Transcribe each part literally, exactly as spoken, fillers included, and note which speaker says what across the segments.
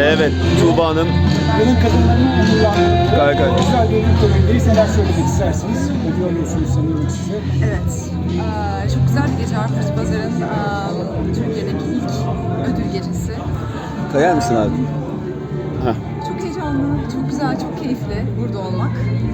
Speaker 1: Evet, Tuğba Hanım.
Speaker 2: Yılın kadınlarının onurlandırdığı
Speaker 1: Gayet gayet.
Speaker 2: güzel bir ödül törenindeyiz. Neler söylemek istersiniz? Ödül alıyorsunuz sanıyorum size.
Speaker 3: Evet. Ee, çok güzel bir gece Arpacı Pazar'ın e, Türkiye'deki ilk ödül gecesi.
Speaker 1: Kayar mısın abi? Heh.
Speaker 3: Çok heyecanlı, çok güzel, çok keyifli burada olmak.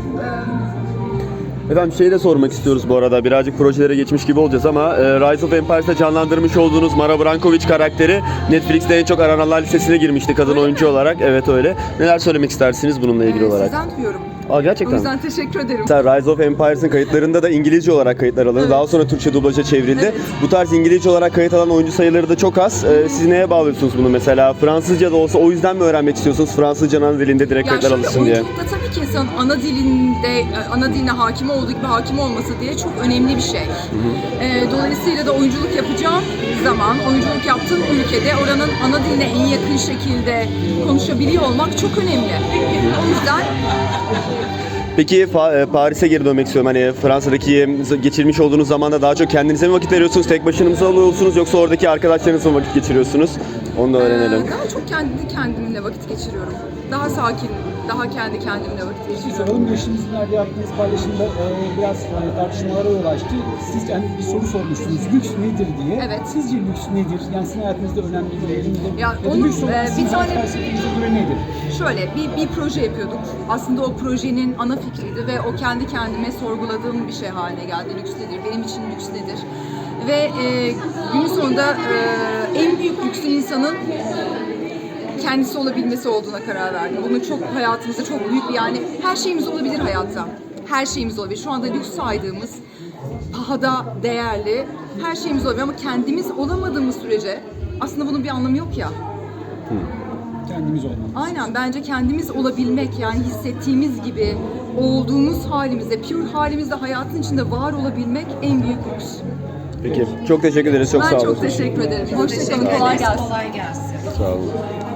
Speaker 3: Ee,
Speaker 1: Efendim şeyi de sormak istiyoruz bu arada. Birazcık projelere geçmiş gibi olacağız ama e, Rise of Empires'ta canlandırmış olduğunuz Mara Brankovic karakteri Netflix'te en çok arananlar listesine girmişti kadın
Speaker 3: Öyle
Speaker 1: oyuncu
Speaker 3: mi?
Speaker 1: olarak. Evet öyle. Neler söylemek istersiniz bununla ilgili
Speaker 3: e,
Speaker 1: olarak?
Speaker 3: Sizden duyuyorum.
Speaker 1: Aa,
Speaker 3: O
Speaker 1: gerçekten mi?
Speaker 3: yüzden teşekkür ederim.
Speaker 1: Mesela Rise of Empires'ın kayıtlarında da İngilizce olarak kayıtlar alındı.
Speaker 3: Evet.
Speaker 1: Daha sonra Türkçe dublaja çevrildi.
Speaker 3: Evet.
Speaker 1: Bu tarz İngilizce olarak kayıt alan oyuncu sayıları da çok az. Ee, siz neye bağlıyorsunuz bunu mesela? Fransızca da olsa o yüzden mi öğrenmek istiyorsunuz? Fransızcanın ana dilinde direkt
Speaker 3: Ya
Speaker 1: kayıtlar
Speaker 3: şöyle
Speaker 1: alışsın diye.
Speaker 3: oyunculukta tabii ki insanın ana dilinde, ana diline hakim olduğu gibi hakim olması diye çok önemli bir şey. Ee, dolayısıyla da oyunculuk yapacağım zaman, oyunculuk yaptığım ülkede oranın ana diline en yakın şekilde konuşabiliyor olmak çok önemli. O yüzden
Speaker 1: Peki Fa- e, Paris'e geri dönmek istiyorum. Hani Fransa'daki e, geçirmiş olduğunuz zamanda daha çok kendinize mi vakit veriyorsunuz? Tek başınıza mı alıyorsunuz yoksa oradaki arkadaşlarınızla mı vakit geçiriyorsunuz? Onu da öğrenelim.
Speaker 3: Ee, daha çok kendi kendimle vakit geçiriyorum. Daha sakin, daha kendi kendimle vakit
Speaker 2: Bir
Speaker 3: geçiriyorum.
Speaker 2: soralım. Geçtiğimiz günlerde yaptığınız paylaşımda e, biraz e, tartışmalara yol açtı. Siz yani bir soru sormuştunuz. Lüks nedir diye.
Speaker 3: Evet.
Speaker 2: Sizce lüks nedir? Yani sizin hayatınızda önemli bir değeri midir?
Speaker 3: Ya
Speaker 2: da
Speaker 3: onun,
Speaker 2: lüks olmak
Speaker 3: e, bir
Speaker 2: sizin
Speaker 3: tane-
Speaker 2: felsefenize göre nedir?
Speaker 3: Şöyle bir, bir proje yapıyorduk. Aslında o projenin ana fikriydi ve o kendi kendime sorguladığım bir şey haline geldi. Lüks nedir? Benim için lüks nedir? Ve e, günün sonunda e, en büyük lüksün insanın kendisi olabilmesi olduğuna karar verdim. Bunu çok hayatımızda çok büyük bir yani her şeyimiz olabilir hayatta. Her şeyimiz olabilir. Şu anda lüks saydığımız pahada değerli her şeyimiz olabilir ama kendimiz olamadığımız sürece aslında bunun bir anlamı yok ya.
Speaker 2: Kendimiz olmak.
Speaker 3: Aynen bence kendimiz olabilmek yani hissettiğimiz gibi olduğumuz halimizde, pure halimizde hayatın içinde var olabilmek en büyük lüks.
Speaker 1: Peki. Çok teşekkür ederiz. Çok
Speaker 3: Ben
Speaker 1: sağ olun.
Speaker 3: çok teşekkür ederim. Hoşçakalın, kolay gelsin.
Speaker 1: Sağ olun.